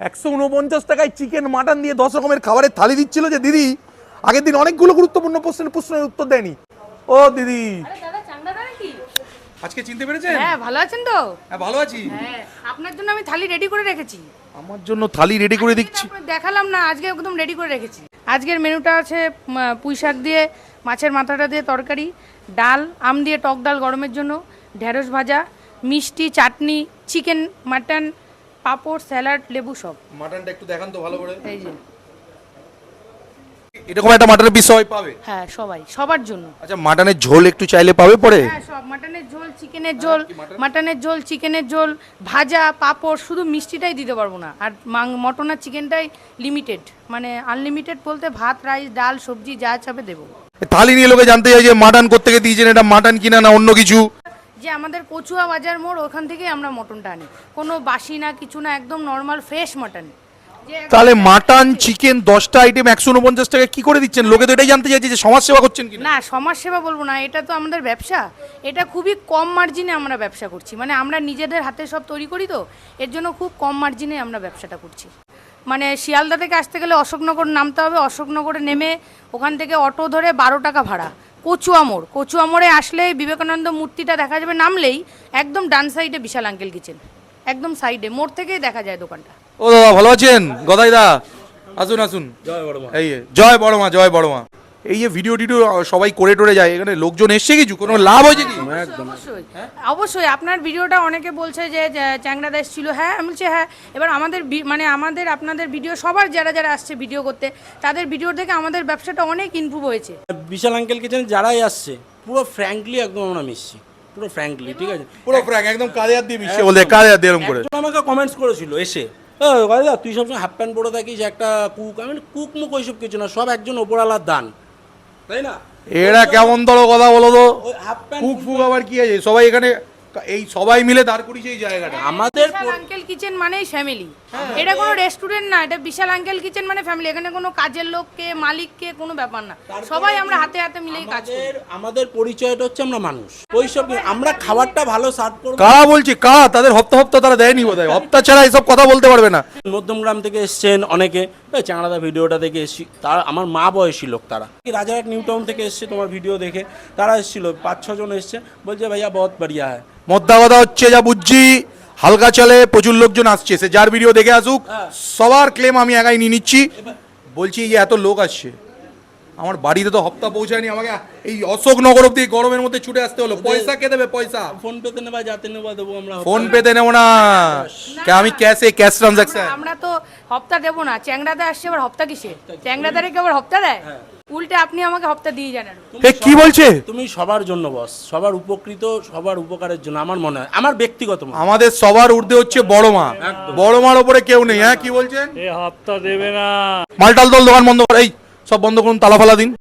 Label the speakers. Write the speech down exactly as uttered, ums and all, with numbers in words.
Speaker 1: একশো উনপঞ্চাশ টাকায় চিকেন মাটন দিয়ে দশ রকমের খাবারের থালি দিচ্ছিল যে দিদি আগের দিন অনেকগুলো গুরুত্বপূর্ণ প্রশ্নের প্রশ্নের উত্তর দেয়নি। ও দিদি আজকে চিনতে পেরেছেন?
Speaker 2: হ্যাঁ, ভালো আছেন তো?
Speaker 1: হ্যাঁ ভালো আছি।
Speaker 2: হ্যাঁ, আপনার জন্য আমি থালি রেডি করে রেখেছি।
Speaker 1: আমার জন্য থালি রেডি করে দিচ্ছি?
Speaker 2: আপনাকে দেখালাম না, আজকে একদম রেডি করে রেখেছি। আজকের মেনুটা আছে উম, পুঁই শাক দিয়ে, মাছের মাথাটা দিয়ে তরকারি, ডাল, আম দিয়ে টক ডাল গরমের জন্য, ঢেঁড়স ভাজা, মিষ্টি, chutney, chicken, mutton, papad, salad, লেবু সব।
Speaker 1: মাটনটা একটু দেখান তো ভালো করে।
Speaker 2: এই যে
Speaker 1: এরকম একটা মাটনের পিস সবাই পাবে?
Speaker 2: হ্যাঁ, সবাই, সবার জন্য।
Speaker 1: আচ্ছা মাটনের ঝোল একটু চাইলে পাবে পরে?
Speaker 2: হ্যাঁ, সব মাটনের ঝোল, চিকেনের ঝোল, মাটনের ঝোল, চিকেনের ঝোল, ভাজা, পাঁপড়, শুধু মিষ্টিটাই দিতে পারবো না। আর মটন আর চিকেনটাই লিমিটেড, মানে আনলিমিটেড বলতে ভাত, রাইস, ডাল, সবজি যা চাবে দেবো।
Speaker 1: থালি নিয়ে লোকে জানতে চাই যে মাটন কোত্থেকে দিয়েছেন, এটা মাটন কিনা না অন্য কিছু?
Speaker 2: যে আমাদের কচুয়া বাজার মোড়, ওখান থেকেই আমরা মটনটা আনি, কোনো বাসি না কিছু না, একদম নর্মাল ফ্রেশ মটন।
Speaker 1: তাহলে মাটন চিকেন দশটা আইটেম একশো উনপঞ্চাশ টাকা কি করে দিচ্ছেন? লোকে তো এটাই জানতে চাইছে যে সমাজ সেবা করছেন কিনা।
Speaker 2: না, সমাজ সেবা বলবো না, এটা তো আমাদের ব্যবসা। এটা খুবই কম মার্জিনে আমরা ব্যবসা করছি, মানে আমরা নিজেদের হাতে সব তৈরি করি, তো এর জন্য খুব কম মার্জিনে আমরা ব্যবসাটা করছি। মানে শিয়ালদা থেকে আসতে গেলে অশোকনগর নামতে হবে, অশোকনগরে নেমে ওখান থেকে অটো ধরে বারো টাকা ভাড়া। কচুয়া মোড়, কচুয়া মোড়ে আসলে বিবেকানন্দ মূর্তিটা দেখা যাবে, নামলেই একদম ডান সাইডে বিশাল আঙ্কেল কিচেন, একদম সাইডে মোড় থেকেই দেখা যায় দোকানটা।
Speaker 1: ও দাদা ভালো আছেন? গদাই দা আসুন আসুন।
Speaker 3: জয় বড় মা।
Speaker 1: এই যে, জয় বড় মা, জয় বড় মা। এই যে ভিডিও টিডিও সবাই করে টোরে যায়, এখানে লোকজন এসছে কিছু, কোনো লাভ হয়েছে কি?
Speaker 2: অবশ্যই অবশ্যই আপনার ভিডিওটা অনেকে বলছে যে যে চ্যাংড়া দাস ছিল। হ্যাঁ, আমি বলছি হ্যাঁ। এবার আমাদের বি- মানে আমাদের আপনাদের ভিডিও, সবার যারা যারা আসছে ভিডিও করতে, তাদের ভিডিও থেকে আমাদের ব্যবসাটা অনেক ইমপ্রুভ হয়েছে।
Speaker 3: বিশাল আঙ্কেল কিচেন যারাই আসছে পুরো ফ্র্যাঙ্কলি একদম আমরা মিশছি, পুরো ফ্র্যাঙ্কলি, ঠিক আছে?
Speaker 1: পুরো ফ্র্যাঙ্ক, একদম কাঁধে হাত দিয়ে মিশছে, বলতে কাঁধে হাত দিয়ে এরকম করে।
Speaker 3: একজন আমাকে কমেন্টস করেছিল এসে, "ও দাদা তুই সবসময় হাফ প্যান্ট পরে থাকিস, একটা কুক।" আমি বলি, কুক মুক ওইসব কিছু না, সব একজন ওপরওয়ালার দান, তাই না?
Speaker 1: এরা কেমন ধরো কথা বলো তো?
Speaker 3: ওই হাফ প্যান্ট
Speaker 1: ফুক ফুক আবার কি আছে? সবাই এখানে এই সবাই মিলে দাঁড় করিয়েছে এই জায়গাটা।
Speaker 3: আমাদের
Speaker 2: বিশাল আঙ্কেল কিচেন মানেই ফ্যামিলি। এটা কোনো রেস্টুরেন্ট না, এটা বিশাল আঙ্কেল কিচেন মানে ফ্যামিলি। এখানে কোনো কাজের লোককে, মালিককে কোনো ব্যাপার না, সবাই আমরা হাতে হাতে মিলেই কাজ করি।
Speaker 3: আমাদের আমাদের পরিচয়টা হচ্ছে আমরা মানুষ, ওইসব কি- আমরা খাবারটা ভালো সার্ভ করবো।
Speaker 1: কারা বলছে? কা তাদের হপ্তা হপ্তা তারা দেয়নি বোধ হয়, হপ্তা ছাড়া এসব কথা বলতে পারবে না।
Speaker 3: মধ্যমগ্রাম থেকে এসছেন অনেকে, এই চ্যাংড়াদা ভিডিওটা দেখে এসছি, তারা আমার মা বয়সী লোক, তারা রাজারহাট নিউ টাউন থেকে এসছে তোমার ভিডিও দেখে, তারা এসেছিল পাঁচ ছজন এসছে, বলছে ভাইয়া বহুত বাড়িয়া হ্যায়।
Speaker 1: মদ্দা কথা হচ্ছে যা বুঝছি, হালকা চলে, প্রচুর লোকজন আসছে, সে যার ভিডিও দেখে আসুক, সবার ক্লেম আমি একাই নিয়ে নিচ্ছি। বলছি এই যে এত লোক আসছে, আমার বাড়িতে তো হপ্তা পৌঁছায়নি, আমাকে এই অশোকনগর অব্দি গরমের মধ্যে ছুটে আসতে হলো। পয়সা কে দেবে? পয়সা
Speaker 3: ফোন পেতে নেবা, যাতে নেবা দেবো আমরা।
Speaker 1: ফোন পেতে নেবো না, কে আমি ক্যাশে, ক্যাশ ট্রানজাকশন।
Speaker 2: আমরা তো হপ্তা দেবো না, চ্যাংড়াতে আসছে আবার হপ্তা কিসে? চ্যাংড়াদারে কি আবার হপ্তা দেয়? উল্টে আপনি আমাকে হপ্তা দিয়ে জানেন।
Speaker 1: এ কি বলছে?
Speaker 3: তুমি সবার জন্য বস, সবার উপকৃত, সবার উপকারের জন্য, আমার মনে হয়, আমার ব্যক্তিগত মত।
Speaker 1: আমাদের সবার ঊর্ধ্বে হচ্ছে বড় মা, বড় মার ওপরে কেউ নেই। হ্যাঁ কি বলছেন?
Speaker 4: এ হপ্তা দেবে না।
Speaker 1: মালটাল দল দোকান বন্ধ করে, এই সব বন্ধ করুন, তালা ফালা দিন।